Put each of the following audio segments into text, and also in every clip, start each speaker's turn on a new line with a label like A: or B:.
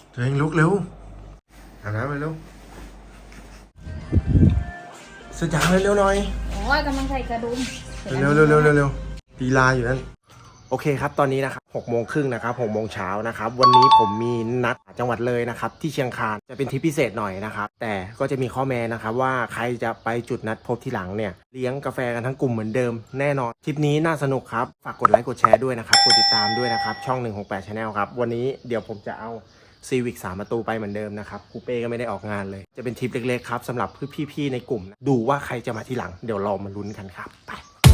A: ตัวเองลุกเร็วอาบน้ำไปเร็วเสร็จยังเร็วๆหน่อย
B: โอ้ยกำลังใส่กระดุม
A: เร็วลีลาอยู่นั่นโอเคครับตอนนี้นะครับ6:30นะครับ6:00 เช้านะครับวันนี้ผมมีนัดจังหวัดเลยนะครับที่เชียงคานจะเป็นทริปพิเศษหน่อยนะครับแต่ก็จะมีข้อแม้นะครับว่าใครจะไปจุดนัดพบที่หลังเนี่ยเลี้ยงกาแฟกันทั้งกลุ่มเหมือนเดิมแน่นอนทริปนี้น่าสนุกครับฝากกดไลค์กดแชร์ด้วยนะครับกดติดตามด้วยนะครับช่อง168 Channel ครับวันนี้เดี๋ยวผมจะเอาซีวิก3 ประตูไปเหมือนเดิมนะครับคูเป้ก็ไม่ได้ออกงานเลยจะเป็นทริปเล็กๆครับสำหรับพี่ๆในกลุ่มดูว่าใครจะมาที่หลังเดี๋ยวเรามาลุ้นกันครับไป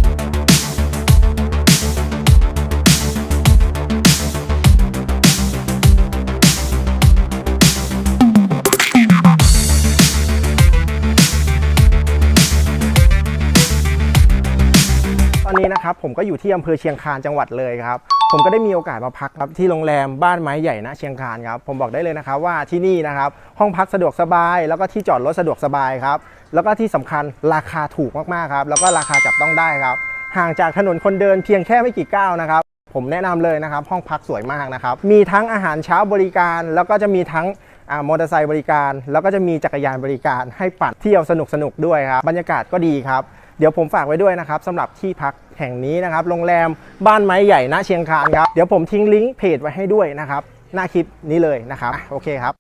A: ตอนนี้นะครับผมก็อยู่ที่อำเภอเชียงคานจังหวัดเลยครับผมก็ได้มีโอกาสมาพักครับที่โรงแรมบ้านไม้ใหญ่ณเชียงคานครับผมบอกได้เลยนะครับว่าที่นี่นะครับห้องพักสะดวกสบายแล้วก็ที่จอดรถสะดวกสบายครับแล้วก็ที่สำคัญราคาถูกมากๆครับแล้วก็ราคาจับต้องได้ครับห่างจากถนนคนเดินเพียงแค่ไม่กี่ก้าวนะครับผมแนะนำเลยนะครับห้องพักสวยมากนะครับมีทั้งอาหารเช้าบริการแล้วก็จะมีทั้งมอเตอร์ไซค์บริการแล้วก็จะมีจักรยานบริการให้ปั่นเที่ยวสนุกด้วยครับบรรยากาศก็ดีครับเดี๋ยวผมฝากไว้ด้วยนะครับสำหรับที่พักแห่งนี้นะครับโรงแรมบ้านไม้ใหญ่ณเชียงคานครับเดี๋ยวผมทิ้งลิงก์เพจไว้ให้ด้วยนะครับหน้าคลิปนี้เลยนะครับโอเคครับ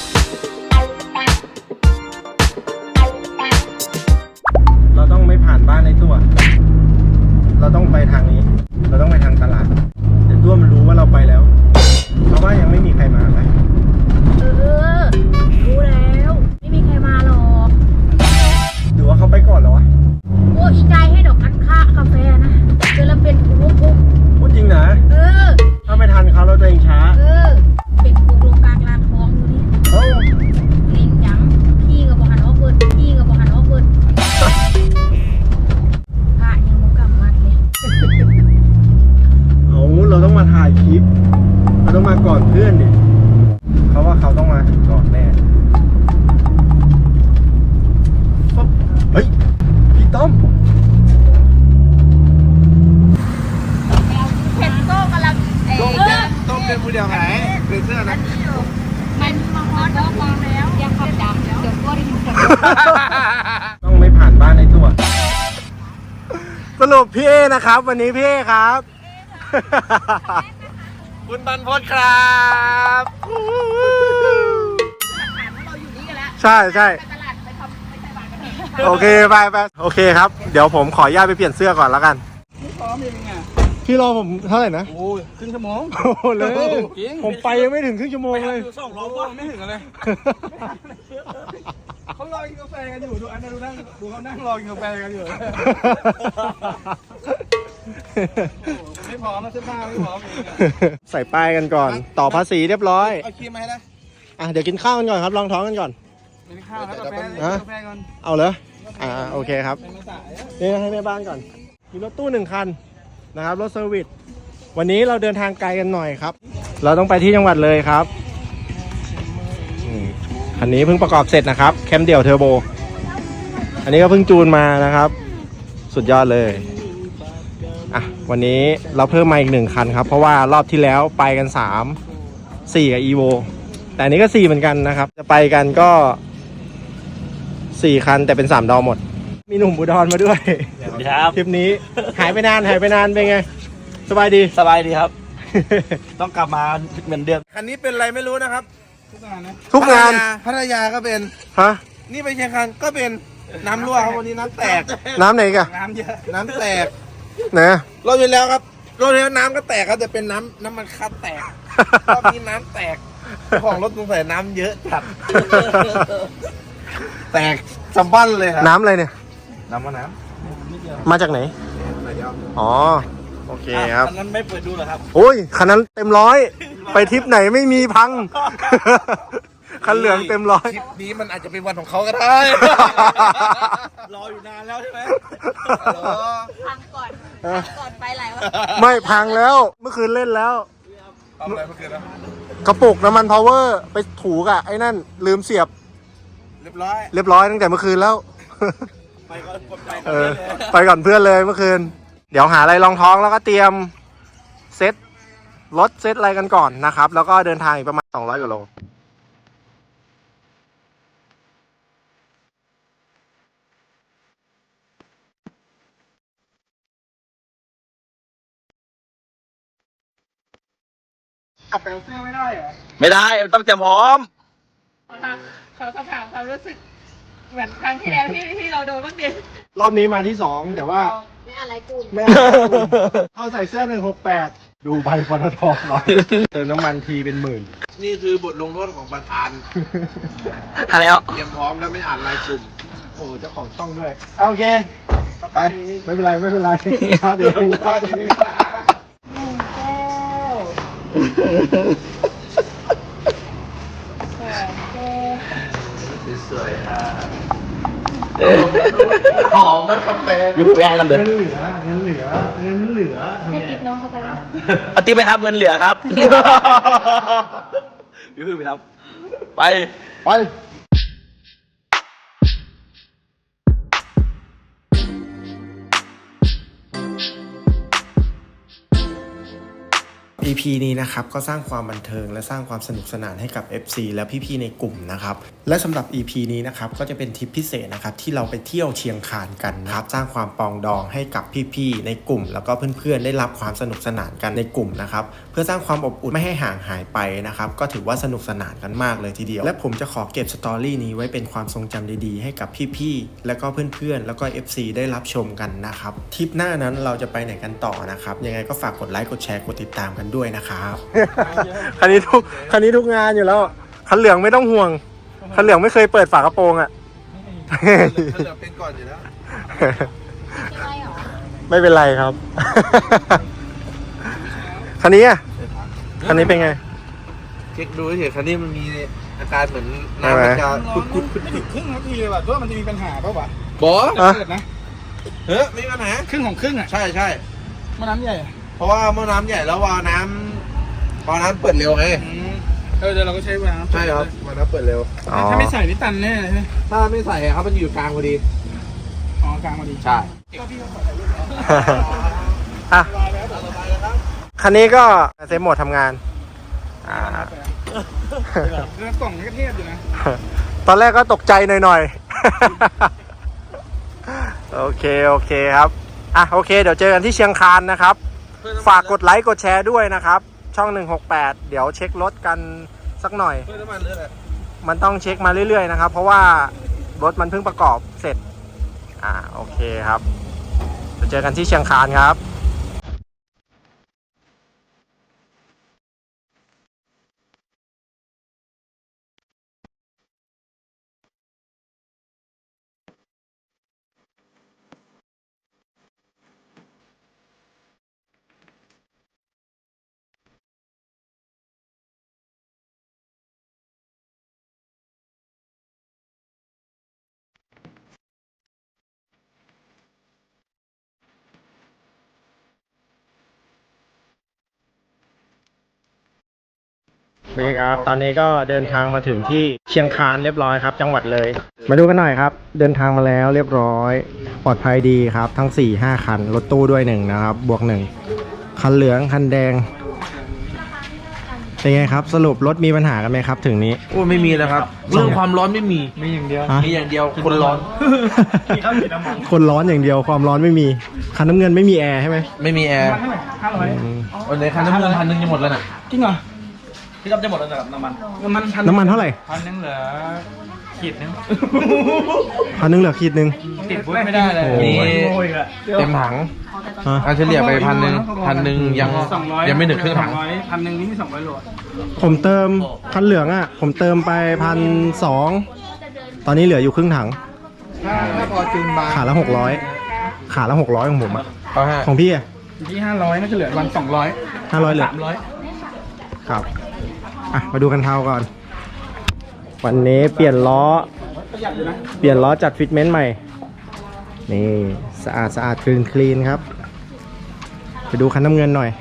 A: เราต้องไม่ผ่านบ้านในตัวเราต้องไปทางนี้เราต้องไปทางตลาดเดี๋ยวตัวมันรู้ว่าเราไปแล้วเพราะว่ายังไม่มีใครมาไป
B: รู้แล้วไม่มีใครมาหรอก
A: หรือว่าเขาไปก่อนแล้ววะ
B: โอ้อีใจให้ดอกอัดค่ากาแฟนะเจอแล้วเป็นปุ๊บ
A: พูดจริงนะถ้าไม่ทันเขาเราตัวเองช้า
B: เป็นปุ๊บลงกลางลานท้องดูนี่เล่นยังพี่กับบอกหันว่าเปิดพระยังมกำมัดเลย
A: เราต้องมาถ่ายคลิปเราต้องมาก่อนเพื่อนดิเขาว่าเขาต้องมาถึงก่อนแน่เฮ้ยพี่ต้อม
B: เพชรโก้กำลัง
A: ต้มเป็นผู้เดียวไหนเป็นเสื้อนะ
B: มันมาฮอตแล้วมองแล้วอยากขับดำเดี๋ยวก็ได้ยินเสียง
A: ต้องไม่ผ่านบ้านในตัวสรุปพี่เอนะครับวันนี้พี่เอครับคุณบรรพตครับใช่โอเคไปโอเคครับเดี๋ยวผมขออนุญาตไปเปลี่ยนเสื้อก่อนแล้วกันพี่รอผมเท่าไหร่นะ
C: โอ้ครึ่งชั่วโมง
A: โอ้เลยผมไปยังไม่ถึงครึ่งชั่วโมงเลย
C: 2 รอบไม่ถึงเลยเขารอกินกาแฟกันอยู่ดูอันนั้นดูเขานั่งรอกินกาแฟกันอยู่ไม่พร้อมนะเสื้อผ้าไม่พร้อม
A: ใส่ป้ายกันก่อนต่อภาษีเรียบร้อย
C: เอาครีมมาให้นะ
A: เดี๋ยวกินข้าวกันก่อนครับลองท้องกันก่อน
C: กินข้าวแล้วกาแฟก่อน
A: เอาเลยโอเคครับนี่ให้แม่บ้านก่อนมีรถตู้1 คันนะครับรถเซอร์วิสวันนี้เราเดินทางไกลกันหน่อยครับเราต้องไปที่จังหวัดเลยครับคันนี้เพิ่งประกอบเสร็จนะครับแคมเดี่ยวเทอร์โบอันนี้ก็เพิ่งจูนมานะครับสุดยอดเลยวันนี้เราเพิ่มมาอีก1 คันครับเพราะว่ารอบที่แล้วไปกัน4 กับ EVO แต่อันนี้ก็4เหมือนกันนะครับจะไปกันก็4 คันแต่เป็น3 ดอหมดมีหนุ่มอุดรมาด้วย
C: ครับ
A: ทริปนี้หายไปนานเป็นไงสบายดี
C: ครับ ต้องกลับมาเหมือนเดิมคันนี้เป็นอะไรไม่รู้นะครับ
A: ทุกงาน
C: พัทยาก็เป็นนี่ไปเชียงคานก็เป็นน้ำรั่วครับวันนี้น้ำแตก
A: น้ำไหนกัน
C: น้ำเยอะน้ำแตก
A: นะ
C: รอบที่แล้วครับรอบที่แล้วน้ำก็แตกครับแต่เป็นน้ำมันคัดแตกรอบนี้น้ำแตกของรถตุ้งใส่น้ำเยอะจัดแตกสัมบันเลยครับ
A: น้ำอะไรเนี่ย
C: น้ำ
A: มาจากไหนอ๋อโอเคครับ
C: คันนั้นไม่เปิดดูเหรอครับ
A: โอ้ยคันนั้นเต็ม100ไปทริปไหนไม่มีพังคันเหลืองเต็ม100
C: ทริปนี้มันอาจจะเป็นวันของเขาก็ได้รออยู่นานแล้วใช่ไหม
B: พังก่อนไปหลายวัน
A: ไม่พังแล้วเมื่อคืนเล่นแล้ว
C: ทำอะไรเมื่อคืนนะ
A: กระปุกน้ำมันพาวเวอร์ไปถูกไอ้นั่นลืมเสียบ
C: เรียบร้อย
A: ตั้งแต่เมื่อคืนแล้ว
C: ไปก่อน
A: ไปก่อนเพื่อนเลยเมื่อคืนเดี๋ยวหาอะไรรองท้องแล้วก็เตรียมเซ็ตรถเซ็ตอะไรกันก่อนนะครับแล้วก็เดินทางอีกประมาณ200 กว่าโลขับแปลเสื้อไม่ได้เหรอ
C: ไม่ได้ต้องเตรียมพร้อม
B: เขาก็ถามความรู้สึกเหมือนครั้งที่แล้วที่เราโดนเมื่อกี้
A: รอบนี้มาที่ 2 แต่ว่า
B: ไม่อะไรกู
A: ไม่เอาใส่เสื้อ168ดูใบปตทหน่อยเติมน้ำมันทีเป็นหมื่น
C: นี่คือบทลงโทษของประธาน
D: อะไรอ่ะ
C: เตรียมพร้อมแล้วไม่อ่านรายกลุ่ม
A: โอ้เจ้าของช่องด้วยโอเคไปไม่เป็นไรไม่เป็นไรพลาดเองพลาดเอง
C: สวยๆหอมมันกาแฟ
D: ยูแพงกันเด้อ
A: เงินเหลือเงินเหลือเงินเหลือ
B: ให้ติ๊บน้องเข้าไปว่า
D: เอาติ๊บไปครับเงินเหลือครับยูไปครับไป
A: ไป EP นี้นะครับก็สร้างความบันเทิงและสร้างความสนุกสนานให้กับ FC และพี่ๆในกลุ่มนะครับและสำหรับ EP นี้นะครับก็จะเป็นทริปพิเศษนะครับที่เราไปเที่ยวเชียงคานกันนะครับสร้างความปองดองให้กับพี่ๆในกลุ่มแล้วก็เพื่อนๆได้รับความสนุกสนานกันในกลุ่มนะครับเพื่อสร้างความอบอุ่นไม่ให้ห่างหายไปนะครับก็ถือว่าสนุกสนานกันมากเลยทีเดียวและผมจะขอเก็บสตอรี่นี้ไว้เป็นความทรงจำดีๆให้กับพี่ๆแล้วก็เพื่อนๆแล้วก็ FC ได้รับชมกันนะครับทริปหน้านั้นเราจะไปไหนกันต่อนะครับยังไงก็ฝากกดไลค์กดแชร์กดติดตามกันด้วยนะครับ คันนี้ทุกงานอยู่แล้วคันเหลืองไม่ต้องห่วงคันเหลืองไม่เคยเปิดฝากระโปรงอ่ะ
C: ถ้าเหลือเป็นก่อนอยู่แล้ว
B: ใช่หรอ
A: ไม่เป็นไรครับ คันนี้อ่ะคันนี้เป็นไง
C: เช็คดูเฉยๆคันนี้มันมีอาการเหมือนน้ำมันจะคุด
E: ไม่ถึงครึ่งนาทีเลยว่ะตัวมันจะมีปัญหาป่าววะ
C: ๆบอส
A: อ่ะ
E: เกิดนะ
C: เฮ้ยไม่มีปัญหา
E: ครึ่งของครึ่งอ่ะ
C: ใช่ใช่
E: แม่น้ำใหญ่อะ
C: เพราะว่าหม้อน้ำใหญ่แล้ววาล์วน้ำเปิดเร็วไง
E: เดี๋ยวเราก็ใช้เวลา
C: ใช่ครับวาล์วน้ำเปิดเร็ว
E: ถ้าไม่ใส่นี่ตันแน่เลยใช่ไหม
C: ถ้าไม่ใส่ครับมันอยู่กลางพอดี
E: อ๋อกลางพอดี
C: ใช่
A: อ่ะคันนี้ก็เซฟโหมดทำงาน
E: แล้วกล่องนี่ก็เทพอยู่นะ
A: ตอนแรกก็ตกใจหน่อยๆ โอเคครับอ่ะโอเคเดี๋ยวเจอกันที่เชียงคานนะครับฝากกดไลค์กดแชร์ด้วยนะครับช่อง168เดี๋ยวเช็ครถกันสักหน่อย
C: เพื่อน้ำมันเลือดอะ
A: มันต้องเช็คมาเรื่อยๆนะครับเพราะว่ารถมันเพิ่งประกอบเสร็จโอเคครับเดี๋ยวเจอกันที่เชียงคานครับ นี่ครับตอนนี้ก็เดินทางมาถึงที่เชียงคานเรียบร้อยครับ จังหวัดเลย มาดูกันหน่อยครับ เดินทางมาแล้วเรียบร้อยปลอดภัยดีครับทั้ง 4-5 คันรถตู้ด้วย1นะครับบวก1คันเหลืองคันแดงเป็นไงครับสรุปรถมีปัญหากันไหมครับถึงนี้
C: โอ้ไม่มีแล้วครับ เรื่องความร้อนไม่มี
E: มีอย่างเดียว
A: ฮะ
C: มีอย่างเดียวคนร้อน
A: คนร้อนอย่างเดียวความร้อนไม่มีคันน้ำเงินไม่มีแอร์ใช่ไหม
C: ไม่มีแอร์
E: เท่าไหร่500
C: วันไหนคันน้ำเงิน1,000จะหมดแล้วน่ะ
E: จริงเหรอ
D: พี่ก๊อฟจะหมดแล้วนะครับน้ำมัน
A: น้ำมันเท่าไหร่
E: 1,000เหลือขีดนึง
A: 1,000เหลือขีดนึง
E: ติดบุ๊ไม่ได้เลย
A: โอ้โห
C: เต็มถัง
A: ฮะ
C: เอาเฉลี่ยไป1,000ยังไม่ถึงครึ่งถัง
E: 1,000นี่มี200โล
A: ผมเติมคันเหลืองอ่ะผมเติมไป1,200ตอนนี้เหลืออยู่ครึ่งถัง
E: ถ้าพอจูนบาร์
A: ขาละ600ขาละ600ของผมอะ
C: เอาฮะ
A: ของพี่อะ
E: ที่500น่าจะเหลือวัน200
A: 500เหลือ
E: 300
A: ครับอ่ะมาดูกันเท้าก่อน วันนี้เปลี่ยนล้อ
E: ประหยัดอยู่นะ
A: เปลี่ยนล้อจัดฟิตเมนต์ใหม่นี่สะอาดคลีนครับไปดูคันน้ำเงินหน่อย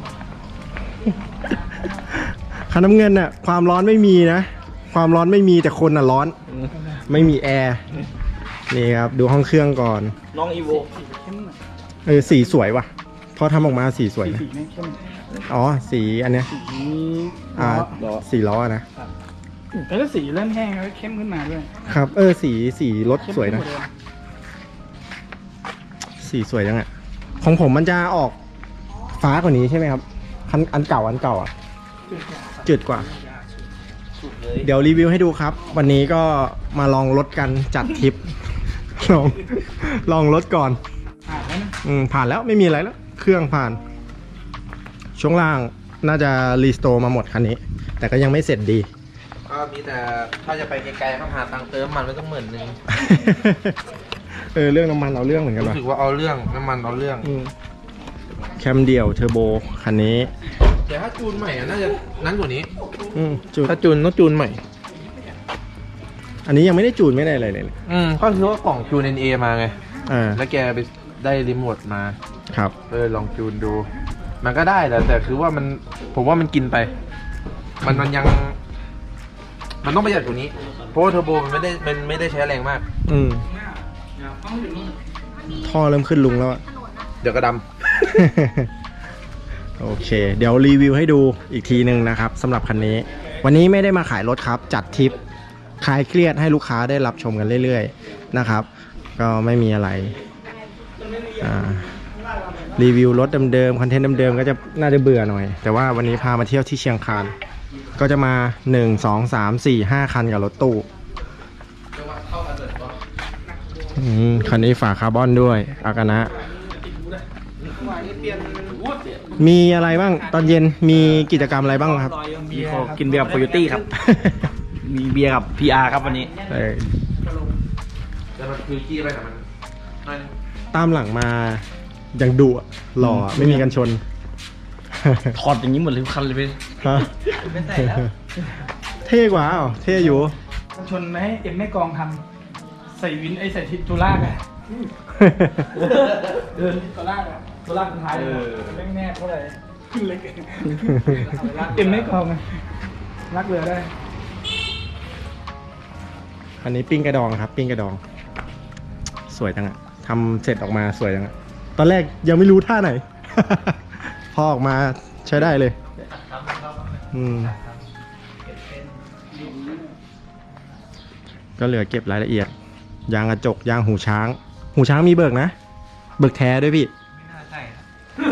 A: คันน้ำเงินน่ะความร้อนไม่มีนะความร้อนไม่มีแต่คนน่ะร้อนไม่มีแอร์นี่ครับดูห้องเครื่องก่อน
D: น้องอีโว
A: สีสวยว่ะพอทำออกมาสีสวยนะ
E: สีนี่เข้ม
A: อ๋อสีอันเนี้ย
E: สี
A: สีล้อนะ
E: แต่ถ้าสีเริ่มแห้งแล้วเข้มขึ้นมาด้วย
A: ครับสีรถสวยนะ สีสวยจังอะของผมมันจะออกฟ้ากว่านี้ใช่ไหมครับอันเก่าอ่ะจืดกว่า เดี๋ยวรีวิวให้ดูครับ วันนี้ก็มาลองรถกันจัดทริป ลองรถก่อน ผ่านแล้วไม่มีอะไรแล้ว เครื่องผ่าน ช่วงล่างน่าจะรีสโตร์มาหมดคันนี้ แต่ก็ยังไม่เสร็จดี
C: ก็มีแต่ถ้าจะไปไกลๆต้องหาตังค์เติมมันไม่ต้อง10,000
A: เรื่องน้ำมันเอาเรื่องเหมือนกัน
C: รู้
A: ว่ะ
C: สึกว่าเอาเรื่องน้ำมันเอาเรื่อง
A: แคมเดี่ยวเทอร์โบคันนี้
C: แต่ถ้าจูนใหม่น่าจะนั้นกว่านี้
A: จูน
C: ถ้าจูนต้องจูนใหม่
A: อันนี้ยังไม่ได้จูนไม่ได้อะไรเลย
C: ก็คือว่ากล่องจูน NA มาไง
A: อ่า
C: แล้วแกไปได้รีโมทมา
A: ครับ
C: ลองจูนดู มันก็ได้แหละแต่คือว่ามันผมว่ามันกินไป มันยัง มันต้องประหยัดกว่านี้ เพราะว่าเทอร์โบมันไม่ได้ใช้แรงมาก
A: ท่อเริ่มขึ้นลุงแล้วอะ
C: เดี๋ยวกระด
A: โอเค เดี๋ยวรีวิวให้ดูอีกทีหนึ่งนะครับสำหรับคันนี้ วันนี้ไม่ได้มาขายรถครับ จัดทริปคลายเครียดให้ลูกค้าได้รับชมกันเรื่อยๆนะครับ ก็ไม่มีอะไรรีวิวรถเดิมๆคอนเทนต์เดิมๆก็จะน่าจะเบื่อหน่อย แต่ว่าวันนี้พามาเที่ยวที่เชียงคานก็จะมา1 2 3 4 5คันกับรถตู้คันนี้ฝาคาร์บอนด้วยอากานะมีอะไรบ้างตอนเย็นมีกิจกรรมอะไรบ้างครับ
D: มีกินเบียร์กับโคโยตี้ครับ มีเบียร์กับ PR ครับวันนี้
C: ำแต่มันคือกี้ไปแต่มัน
A: ตามหลังมาอย่างดุอะหล่ออะไม่มีกันชน
D: ถอดอย่างนี้หมดเลยทุกคันเลยพี่
A: ฮะ
D: ไม่ใส่แล้ว
A: เท่กว่าอ้าวเท่อยู่
E: ชนไหมเอ็มไม่กองทำใส่วินใส่ทิศตุลากอะตุลากอะตุลากสุดท้ายเร่งแน่เท่าไหร่เล็กเอ็มไม่กองไงรักเรือได้
A: อันนี้ปิ้งกระดองครับปิ้งกระดอง สวยจังอะทำเสร็จออกมาสวยจังอะตอนแรกยังไม่รู้ท่าไหน พอออกมาใช้ได้เลยก็เหลือเก็บรายละเอียดยางกระจกยางหูช้างมีเบิกนะเบิกแท้ด้วยพี่
D: ไม่น่าใช่ครับ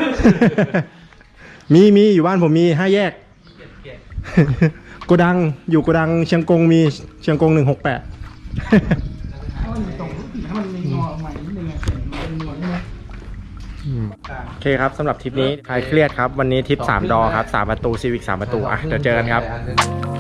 A: มีอยู่บ้านผมมี5 แยก โกดังอยู่โกดังเชียงกงมีเชียงกง168
E: ถ้ามันตรงถ้ามันมีงอใหม่นิดนึงเสียงมันเป็นงอใช่ไหม
A: โอเคครับสำหรับทริปนี้คลายเครียดครับวันนี้ทริป3 ดอครับ3 ประตูซีวิก3 ประตูอ่ะเดี๋ยวเจอกันครับ